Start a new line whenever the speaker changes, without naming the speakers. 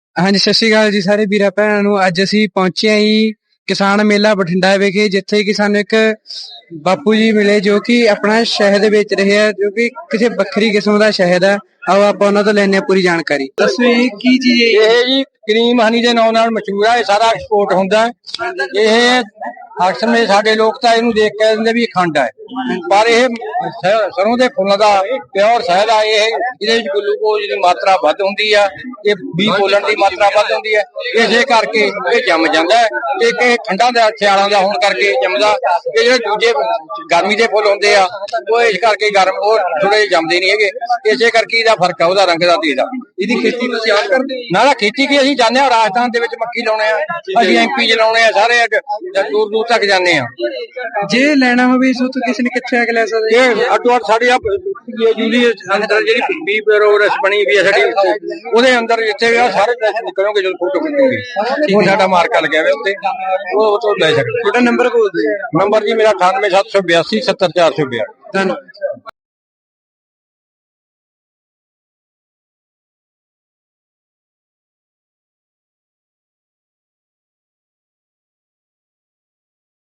ਹਾਂਜੀ, ਸਤਿ ਸ਼੍ਰੀ ਅਕਾਲ ਜੀ ਸਾਰੇ ਵੀਰਾਂ ਭੈਣਾਂ ਨੂੰ। ਅੱਜ ਅਸੀਂ ਪਹੁੰਚੇ ਹਾਂ ਜੀ ਕਿਸਾਨ ਮੇਲਾ ਬਠਿੰਡਾ ਵਿਖੇ, ਜਿੱਥੇ ਕਿ ਸਾਨੂੰ ਇੱਕ ਬਾਪੂ ਜੀ ਮਿਲੇ ਜੋ ਕਿ ਆਪਣਾ ਸ਼ਹਿਦ ਵੇਚ ਰਹੇ ਆ, ਜੋ ਕਿ ਕਿਸੇ ਵੱਖਰੀ ਕਿਸਮ ਦਾ ਸ਼ਹਿਦ ਹੈ। ਆਓ ਆਪਾਂ ਉਹਨਾਂ ਤੋਂ ਲੈਣੇ ਆ ਪੂਰੀ ਜਾਣਕਾਰੀ। ਦੱਸੋ ਜੀ ਕੀ ਚੀਜ਼ ਹੈ
ਇਹ ਜੀ ਕਰੀਮ ਹਨੀ ਦੇ ਨਾਂ ਨਾਲ ਮਸ਼ਹੂਰ ਹੈ। ਇਹ ਸਾਰਾ ਐਕਸਪੋਰਟ ਹੁੰਦਾ ਹੈ। ਇਹ ਅਕਸਰ ਸਾਡੇ ਲੋਕ ਤਾਂ ਇਹਨੂੰ ਦੇਖ ਕੇ ਕਹਿੰਦੇ ਵੀ ਖੰਡ ਹੈ, ਪਰ ਇਹ ਸਰੋਂ ਦੇ ਫੁੱਲਾਂ ਦਾ ਪਿਓਰ ਸ਼ਹਿਦ ਆ। ਇਹਦੇ ਵਿੱਚ ਗਲੂਕੋਜ਼ ਦੀ ਮਾਤਰਾ ਵੱਧ ਹੁੰਦੀ ਆ, ਇਹ ਬੀ ਬੋਲਣ ਦੀ ਮਾਤਰਾ ਵੱਧ ਹੁੰਦੀ ਹੈ। ਇਸੇ ਕਰਕੇ ਇਹ ਜੰਮ ਜਾਂਦਾ ਹੈ। ਇਹ ਠੰਡਾਂ ਦਾ ਸਿਆਲਾਂ ਦਾ ਹੋਣ ਕਰਕੇ ਜੰਮਦਾ। ਇਹ ਜਿਹੜੇ ਦੂਜੇ ਗਰਮੀ ਦੇ ਫੁੱਲ ਹੁੰਦੇ ਆ ਉਹ ਇਸ ਕਰਕੇ ਗਰਮ ਉਹ ਥੋੜੇ ਜੰਮਦੇ ਨਹੀਂ ਹੈਗੇ। ਇਸੇ ਕਰਕੇ ਇਹਦਾ ਫਰਕ ਆ ਉਹਦਾ ਰੰਗ ਦਾ ਤੇ ਇਹਦਾ।
ਇਹਦੀ ਖੇਤੀ ਤੁਸੀਂ ਆਪ ਕਰਦੇ?
ਨਾ ਖੇਤੀ ਕੀ ਅਸੀਂ ਜਾਂਦੇ ਹਾਂ ਰਾਜਸਥਾਨ ਦੇ ਵਿੱਚ ਮੱਕੀ ਲਾਉਣੇ ਆ, ਅਸੀਂ MP ਚ ਲਾਉਣੇ ਆ, ਸਾਰੇ ਦੂਰ ਦੂਰ ਤੱਕ ਜਾਂਦੇ ਆ।
ਜੇ ਲੈਣਾ ਹੋਵੇ ਇਸ ਤੋਂ ਕਿਸੇ ਨੇ ਕਿੱਥੇ ਆ ਕੇ ਲੈ ਸਕਦਾ?
ਇਹ ਅੱਡੋ ਅੱਡ ਸਾਡੀ ਯੂਲੀ ਅੰਦਰ ਜਿਹੜੀ ਬੀ ਪ੍ਰੋਗਰੈਸ ਬਣੀ ਵੀ ਆ ਸਾਡੀ, ਉਹਦੇ ਅੰਦਰ ਜਿੱਥੇ ਵੀ ਆ ਸਾਰੇ ਪੈਸੇ ਨਿਕਲੋਗੇ ਜਦੋਂ ਫੋਟੋ ਖਿੱਚੋਗੇ ਉਹ ਸਾਡਾ ਮਾਰਕਾ ਲੱਗਿਆ ਹੋਇਆ ਉੱਤੇ, ਉਹ ਤੋਂ ਲੈ ਸਕਦੇ।
ਤੁਹਾਡਾ ਨੰਬਰ ਬੋਲ ਦਿਓ।
ਨੰਬਰ ਜੀ ਮੇਰਾ 98 782 70482।
ਧੰਨਵਾਦ।